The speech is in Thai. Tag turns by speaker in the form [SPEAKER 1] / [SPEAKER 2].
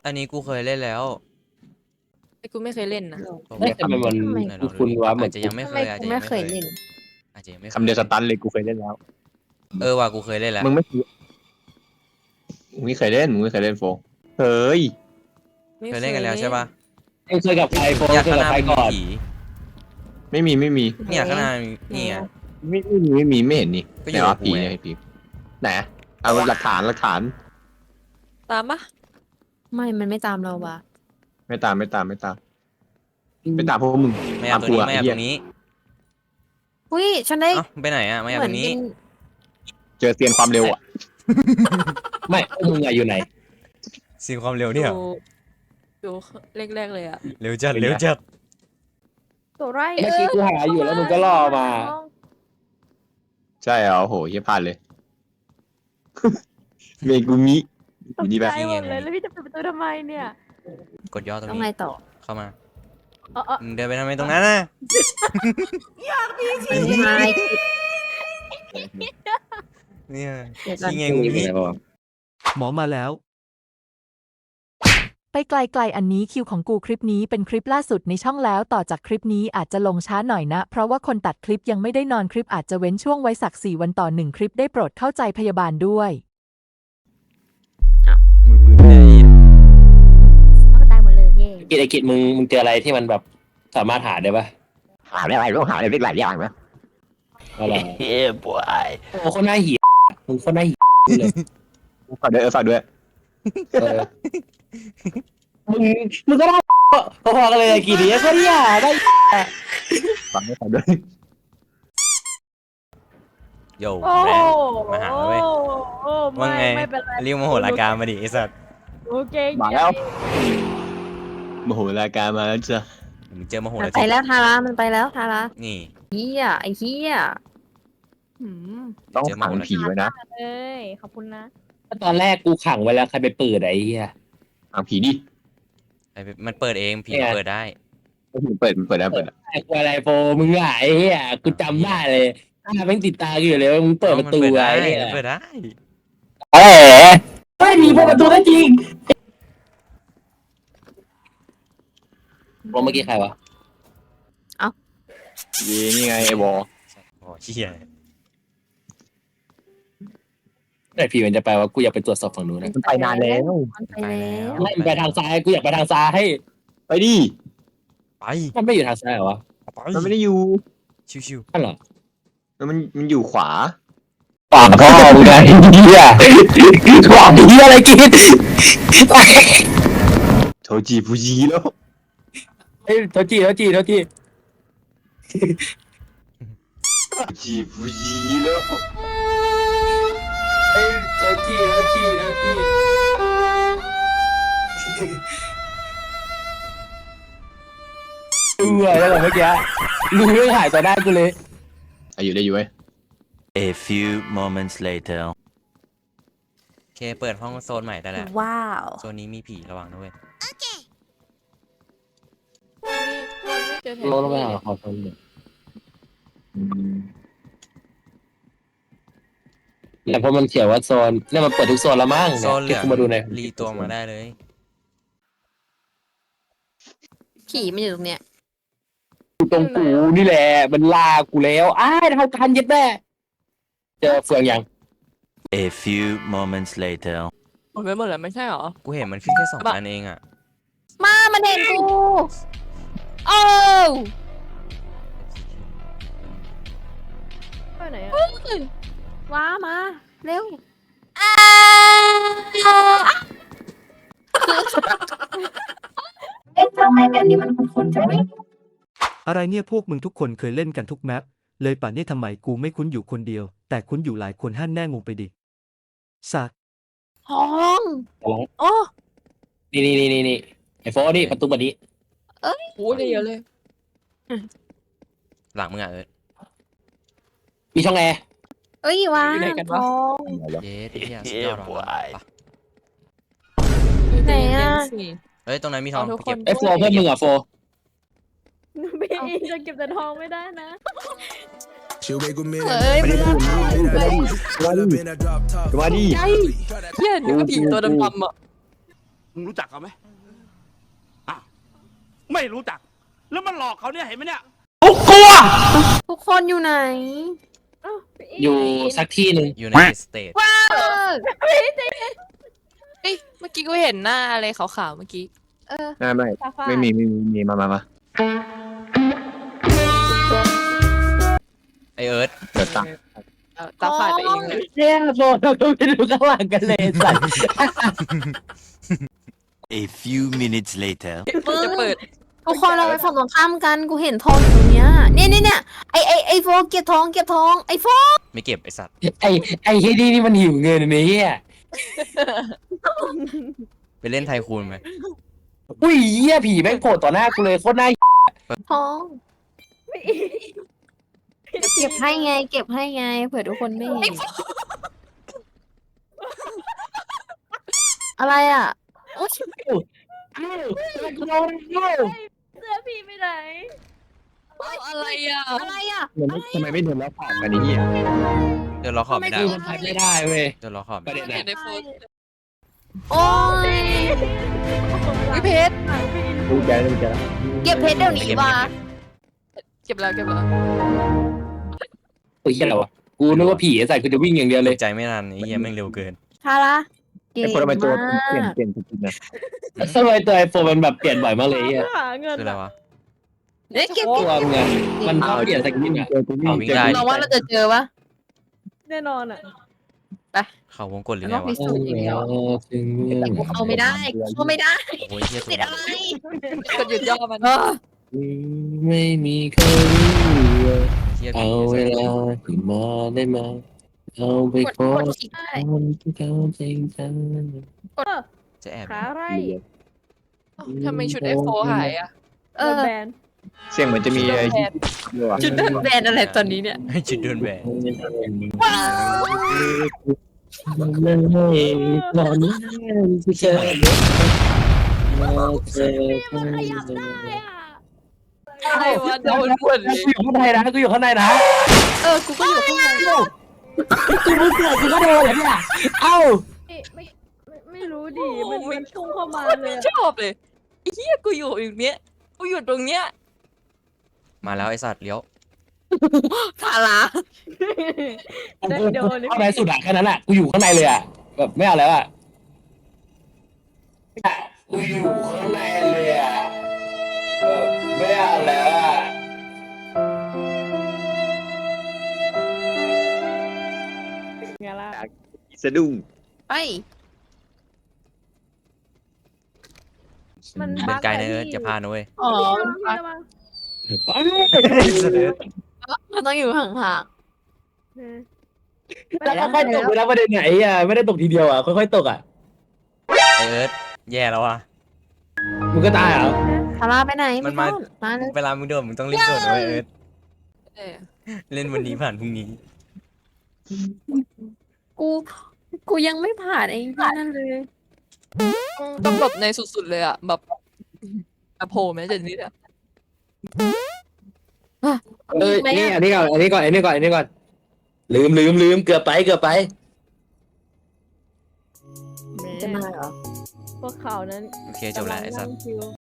[SPEAKER 1] อันนี้กูเคยเล่นแล้ว
[SPEAKER 2] กูไม่เคยเล่นนะ
[SPEAKER 3] ทำไมมันคุณวะเหมื
[SPEAKER 1] อา
[SPEAKER 3] อน
[SPEAKER 1] จจะยังไม่
[SPEAKER 2] ทำ
[SPEAKER 1] เค
[SPEAKER 2] ไม
[SPEAKER 1] ยอาจ
[SPEAKER 2] กู
[SPEAKER 1] จะยั
[SPEAKER 2] ไม่
[SPEAKER 1] งไม่
[SPEAKER 2] เค
[SPEAKER 1] เค
[SPEAKER 2] ย
[SPEAKER 1] ย
[SPEAKER 2] เล่น
[SPEAKER 1] อาจจะยังไม่
[SPEAKER 3] คำเดียวสตันเลยกูเคยเล่นแล้ว
[SPEAKER 1] ว่ะกูเคยเล่นแล้ว
[SPEAKER 3] มึงไม่เคยเล่นมึงไม่เคยเล่นโฟงเฮ้ย
[SPEAKER 1] เคยเล่นกันแล้วใช่ปะ
[SPEAKER 3] เคยกับใครโฟง
[SPEAKER 1] อยาก
[SPEAKER 3] เคย
[SPEAKER 1] ข้างห
[SPEAKER 3] กับ
[SPEAKER 1] น้า
[SPEAKER 3] ใคร
[SPEAKER 1] มันมี
[SPEAKER 3] ก่อน
[SPEAKER 1] ผี
[SPEAKER 3] ไม่มี
[SPEAKER 1] เนี่ยข้างหน้านี่อ่ะ
[SPEAKER 3] ไม่เห็นนี่
[SPEAKER 1] ก็อยู่
[SPEAKER 3] ไหนวะ
[SPEAKER 1] กับกู
[SPEAKER 3] ผี
[SPEAKER 1] ไง
[SPEAKER 3] เนี่ยผีไหนเอาหลักฐาน
[SPEAKER 2] ตามปะ
[SPEAKER 4] ไม่มันไม่ตามเราว่ะ
[SPEAKER 3] ไม่ตามพวกมึง
[SPEAKER 1] ไม่เอาตรงนี้ไม่เอาตรงนี้
[SPEAKER 4] อุ้ยฉันได้
[SPEAKER 1] เอ้าไปไหนอ่ะไม่เอาตรงนี้
[SPEAKER 3] เจอเซียนความเร็วอ่ะ ไม่พวกมึงอะอยู่ไหน
[SPEAKER 1] สิ่งความเร็วเนี่ย
[SPEAKER 2] ดูแรกๆเลยอะ
[SPEAKER 1] เร็วจัดเร็วจัด
[SPEAKER 4] ตัวไร
[SPEAKER 3] เมื่อกี้กูหาอยู่แล้วมึงก็ล่อมา ใช่เหรอโหเฮียพลาดเลย เมกุมิอยู่นี่แบบ
[SPEAKER 1] นี่ไง
[SPEAKER 4] แล้วพี่จะเปิดประตูทำไมเนี่ย
[SPEAKER 1] กดย่อตรง
[SPEAKER 4] ต้องไง
[SPEAKER 1] นี้
[SPEAKER 4] ต่อ
[SPEAKER 1] เข้ามามึงเดินไปทำไมตรงนั้นน่ะ
[SPEAKER 4] ไม่
[SPEAKER 1] เนี่ย
[SPEAKER 4] เดี๋ยวก่อน
[SPEAKER 1] ที่ไงงูพี่
[SPEAKER 5] หมอมาแล้ว
[SPEAKER 6] ไปไกลๆอันนี้คิวของกูคลิปนี้เป็นคลิปล่าสุดในช่องแล้วต่อจากคลิปนี้อาจจะลงช้าหน่อยนะเพราะว่าคนตัดคลิปยังไม่ได้นอนคลิปอาจจะเว้นช่วงไว้สัก4 วันต่อ1คลิปได้โปรดเข้าใจพยาบาลด้วย
[SPEAKER 1] มือไปไหน
[SPEAKER 4] เขาก็ตายหมดเลยเย่
[SPEAKER 3] กิจกิจมึงเจออะไรที่มันแบบสามารถหาได้ปะ
[SPEAKER 7] หาได้อะไรรู้หาได้หลายอย่างนะ
[SPEAKER 3] อะไร
[SPEAKER 7] เฮ้ยบอย
[SPEAKER 3] โอ้คนหน้าเหี้ยมึงคนหน้าเหี้ยเลยฝากด้วยเออมึงก็ได้พอๆกันเลยกี่ดีก็เนี่ยได้ฝากด้วย
[SPEAKER 1] โย่
[SPEAKER 2] โอ้
[SPEAKER 1] แรงมาหาเว้ย
[SPEAKER 2] โอ้
[SPEAKER 1] ว่าไง
[SPEAKER 2] ไม่เป็นไร
[SPEAKER 1] เรียกโมโหลาการมาดิไอ้สัตว์
[SPEAKER 2] โอเค
[SPEAKER 3] มาแล้วโมโหรายการมาแล้วจ้ะ
[SPEAKER 1] มึงเจอโมโห
[SPEAKER 4] มัน
[SPEAKER 1] แล้ว
[SPEAKER 4] ไปแล้วทารามันไปแล้วทารา
[SPEAKER 1] นี่
[SPEAKER 4] เฮียไอ้เฮีย
[SPEAKER 3] ต้องขังผีไว้นะ
[SPEAKER 2] เอ้ยขอบคุณนะ
[SPEAKER 3] ตอนแรกกูขังไว้แล้วใครไปเปิดไอ้เหี้ยขังผีดิ
[SPEAKER 1] มันเปิดเองผีเปิดได้
[SPEAKER 3] มันเปิดได้ไอ้ควายไรโฟมึงอ่ะไอ้เหี้ยกูจำได้เลยแม่งติดตาอยู่เลยมึงเปิดประตู
[SPEAKER 1] มัน
[SPEAKER 3] ไว้เนี่ย
[SPEAKER 1] เปิดได้
[SPEAKER 3] เอ๋ไม่มีเปิดประตูได้จริงเมื่อกี้ใครวะนี่ไงไอ้บอ
[SPEAKER 1] โอ้เหี้ย
[SPEAKER 3] ไอ้ผีมันจะไปว่ากูอยากไปตรวจสอบฝั่งนู้นนะ
[SPEAKER 4] มันไปนานแล้วมันไปแล้ว
[SPEAKER 3] ไม่ไปทางซ้ายกูอยากไปทางซ้ายไปดิ
[SPEAKER 1] ไป
[SPEAKER 3] มันไม่อยู่ทางซ้ายเหรอวะ
[SPEAKER 1] ไป
[SPEAKER 3] มันไม่ได้อยู่
[SPEAKER 1] ชิว
[SPEAKER 3] นั่นเหรอมันอยู่ขวา
[SPEAKER 7] ปากก็มึงไงเฮียขวางเฮียอะไรกิน
[SPEAKER 3] โทจิฟูจิแล้วเฮ้ยโทจิโทจิฟูจิแล้วเฮ้ยโทจิแล้วเหรอเมื่อกี้มึงไม่ถ่ายต่อหน้ากูเลยอยู่ได้อยู่ไหม
[SPEAKER 8] A few moments later.
[SPEAKER 1] โอเคเปิดห้องโซนใหม่ได้แล้ว
[SPEAKER 4] ว้าว
[SPEAKER 1] โซนนี้มีผีระวังด้วย
[SPEAKER 2] เจอแผน
[SPEAKER 3] ลงไป
[SPEAKER 2] ที่
[SPEAKER 3] หาขอโทษเลยแต่พอมันเขียนว่าโซนเนี่ยมันเปิดทุกโซนแล้วมั้ง
[SPEAKER 1] โซนเหลื
[SPEAKER 3] ที่
[SPEAKER 1] อง
[SPEAKER 3] กูมาดูใน
[SPEAKER 1] รีตัวมาได้เลย
[SPEAKER 4] ผีมันอยู่ตรงเนี้ย
[SPEAKER 3] ตรงกูนี่แหละมันลากูแล้วอ้ายเท่ากันยัดแม่เจอเฟืองยัง
[SPEAKER 8] A few moments later.
[SPEAKER 2] หมดไปหมดแล้วไม่ใช่หรอ
[SPEAKER 1] กูเห็นมันขึ้นแค่2 อันเองอ่ะ
[SPEAKER 4] มามันเห็นกูโอ้
[SPEAKER 2] ไปไหนอะ
[SPEAKER 4] ว้ามาเร็วเอ๊ะทำไมแบบนี้มันคุ้นๆจังเลย
[SPEAKER 5] อะไรเนี่ยพวกมึงทุกคนเคยเล่นกันทุกแมปเลยป่านนี้ทำไมกูไม่คุ้นอยู่คนเดียว แต่คุ้นอยู่หลายคนหั่นแน่งงไปดิสัก
[SPEAKER 4] ห้อง
[SPEAKER 2] โอ้
[SPEAKER 3] นี่ไอ้โฟนี่ประตูบันนี้
[SPEAKER 2] โหได้เยอะเลย
[SPEAKER 1] หลังมึงอ่ะ
[SPEAKER 3] มีช่องแอร์
[SPEAKER 4] เอ้ยว้า
[SPEAKER 2] อยู่ไหนกันวะ
[SPEAKER 4] ห้อง
[SPEAKER 1] เย้ที่สุดยอดว่ะไป
[SPEAKER 4] ไหนอะ
[SPEAKER 1] เฮ้ยตรงนั้นมีทอง
[SPEAKER 2] ทุกค
[SPEAKER 1] เก็บ
[SPEAKER 2] น
[SPEAKER 3] ไอ้โฟเพื่อนมึงอ่ะโฟ
[SPEAKER 2] พี่จะเก็บแต่ทองไม่ได้นะ
[SPEAKER 4] เฮ้ยไม่ได้
[SPEAKER 3] มาดิ
[SPEAKER 2] เฮียเดี๋ยวก็ผีตัวดำๆอ่ะ
[SPEAKER 9] มึงรู้จักเขาไหมอ้าวไม่รู้จัก แล้วมันหลอกเขาเนี่ยเห็นไหมเนี่ย
[SPEAKER 4] ทุกคนอยู่ไหน
[SPEAKER 2] อ้าวพี่อิน
[SPEAKER 3] อยู่สักที่หนึ่ง
[SPEAKER 1] อยู่ในสเตท
[SPEAKER 4] เออ
[SPEAKER 10] เอ้ยเมื่อกี้กูเห็นหน้าอะไรขาวๆเมื่อกี้
[SPEAKER 4] เออ
[SPEAKER 7] ไม่
[SPEAKER 2] ซาฟา
[SPEAKER 7] ไม่มีมา
[SPEAKER 1] ไอเอิร์ธ
[SPEAKER 7] เดี๋ยวตาม
[SPEAKER 10] ตาฝาดไปเองเลย
[SPEAKER 3] เนี่ยโฟเราก็ไม่รู้ข้างหลังกันเลยสัตว์
[SPEAKER 8] A few minutes later.
[SPEAKER 10] จะเปิด
[SPEAKER 4] ทุกคนเราไปฝั่งตรงข้ามกันกูเห็นทองอยู่ตรงเนี้ยเนี่ยไอโฟเก็บทองไอโฟ
[SPEAKER 1] ไม่เก็บไอสัตว์
[SPEAKER 3] ไอ้เฮียนี่มันหิวเงินเนี่ยเฮีย
[SPEAKER 1] ไปเล่นไทคูนไหม
[SPEAKER 3] อุ้ยเฮียผีแม่งโผล่ต่อหน้ากูเลยโคตรน่า
[SPEAKER 4] ทองเก็บให้ไงเผื่อทุกคนไม่เห็นอะไรอ่ะโอ๊ย
[SPEAKER 3] อ้าว
[SPEAKER 2] เสื้อพี่ไปไหน
[SPEAKER 10] อะไรอ่ะ
[SPEAKER 4] อะไรอ่ะ
[SPEAKER 7] ทำไมไม่เดินแล้วผ่านกันนี่เหี้ย
[SPEAKER 1] เดินล้อขอบไม่ได้
[SPEAKER 3] คือมันพักไม่ได้เว้ย
[SPEAKER 1] เดินล้อขอบ
[SPEAKER 3] ประ
[SPEAKER 1] ไม่
[SPEAKER 3] เด็น
[SPEAKER 1] ได้
[SPEAKER 3] อะ
[SPEAKER 10] ในโฟน
[SPEAKER 4] โอ้ย
[SPEAKER 10] วิเพชร
[SPEAKER 7] ดูใจแล้ว
[SPEAKER 4] เก็บเพชรเดี๋ยวนี้ว่ะ
[SPEAKER 10] เก็บแล้ว
[SPEAKER 3] ตัวเฮียอะไรวะกูนึกว่าผีไอ้สัตว์กูจะวิ่งอย่างเดียว
[SPEAKER 1] เล
[SPEAKER 3] เลย ย
[SPEAKER 1] ใจไม่นานไอ้เหี้ยแม่งเร็วเกิน
[SPEAKER 4] คาร่าเก่ง
[SPEAKER 7] ไอ้คนทำไมตัว
[SPEAKER 4] มาก
[SPEAKER 7] เปลี่ยนทุกๆนะ
[SPEAKER 3] ทำไมตัวไอโฟนมันแบบเปลี่ยนบ่อยมากเลยเฮีย
[SPEAKER 2] หาเงิน
[SPEAKER 1] คืออะไรวะ
[SPEAKER 4] เอ๊ะเก็บ
[SPEAKER 3] ตัวมึงอะมันชอบเปลี่ยนสกินอะ
[SPEAKER 7] เจอกูวิ่ง
[SPEAKER 1] วิ่งได้
[SPEAKER 4] เราว่าเราจะเจอปะ
[SPEAKER 2] แน่นอนอ่ะ
[SPEAKER 1] เขาวงกดหรือไง
[SPEAKER 4] ต้อง
[SPEAKER 1] วะ
[SPEAKER 4] พิสูจน์อย่างเดียว แต่กูเข้าไม่ได้
[SPEAKER 1] โอ้ยเหี้ย
[SPEAKER 4] ติดอะไร
[SPEAKER 10] กดหยุดย่อมัน
[SPEAKER 3] ไม่มีใครรู้ว่า
[SPEAKER 1] เหี้ย
[SPEAKER 3] เอาเวลาที่มาได้มาเอาไปขอ
[SPEAKER 4] กดอีกได้
[SPEAKER 3] คนที่เขาจริงจัง
[SPEAKER 1] จะแอบ
[SPEAKER 2] ขาไร
[SPEAKER 10] ทำไมชุดไอโฟหายอ่ะ
[SPEAKER 4] เออ
[SPEAKER 2] แบน
[SPEAKER 7] เสียงเหมือนจะมีไอ้ด้วยว่ะ
[SPEAKER 4] จุดเดินแบนอะไรตอนนี้เนี่ย
[SPEAKER 1] ให้จุดเดินแหวน
[SPEAKER 3] ตอนนี้ที่เจอ
[SPEAKER 2] ขยับได้อ่ะ
[SPEAKER 10] อะไรวะโดนหมดเลย
[SPEAKER 3] กูอยู่ข้างในนะกูอยู่ข้างในนะ
[SPEAKER 4] กูก็อยู่ข้างใน
[SPEAKER 3] กูมึงเกิดกูก็โดนเหรอเนี่ยเอ้า
[SPEAKER 2] ไม่รู้ดิมันพุ่งเข้ามาเลย
[SPEAKER 10] ชอบเลยไอ้เหี้ยกูอยู่อย่างเนี้ยกูอยู่ตรงเนี้ย
[SPEAKER 1] มาแล้วไอสัตว์เลี้ยว
[SPEAKER 4] คาร่า
[SPEAKER 2] เดี๋ยวนี่
[SPEAKER 3] ข้างในสุดอะแค่นั้นอะกูอยู่ข้างในเลยอะแบบไม่เอาแล้วอะกูอยู่ข้างในเลยอะแบบไม่เอาแล้วอะ
[SPEAKER 2] ไงล่ะ
[SPEAKER 7] สะดุ้ง
[SPEAKER 4] ไป
[SPEAKER 2] มัน
[SPEAKER 1] เดินไกลนะเอิร์ธอย่าพลาดนะเว้ย
[SPEAKER 4] อ๋อ
[SPEAKER 2] ระวัง
[SPEAKER 4] มันต้องอยู่ห่าง
[SPEAKER 3] แล้วค่อยๆตกไปแล้วประเด็นไหนอะไม่ได้ตกทีเดียวอะค่อยๆตกอะ
[SPEAKER 1] ไอเอิร์ธแย่แล้วอ่ะ
[SPEAKER 3] มึงก็ตายเหรอ
[SPEAKER 4] ๆคาร่าไปไหน
[SPEAKER 1] มันมา
[SPEAKER 4] มาเลย
[SPEAKER 1] เวลามึงโดนมึงต้องรีบโดดนะเว้ยเอิร์ธ
[SPEAKER 10] เออ
[SPEAKER 1] เล่นวันนี้ผ่านพรุ่งนี้
[SPEAKER 4] กูยังไม่ผ่านไอ้ที่นั่นเลย
[SPEAKER 10] ต้องแบบในสุดๆเลยอ่ะแบบอะโผล่แม้แต่นิดอ่ะ
[SPEAKER 3] นี่อันนี้ก่อนลืมเกือบไป
[SPEAKER 4] จะมาเหรอ
[SPEAKER 2] พวกเขานั้น
[SPEAKER 1] โอเคจบแล้วไอสัตว์
[SPEAKER 2] กำลังนั่งชิล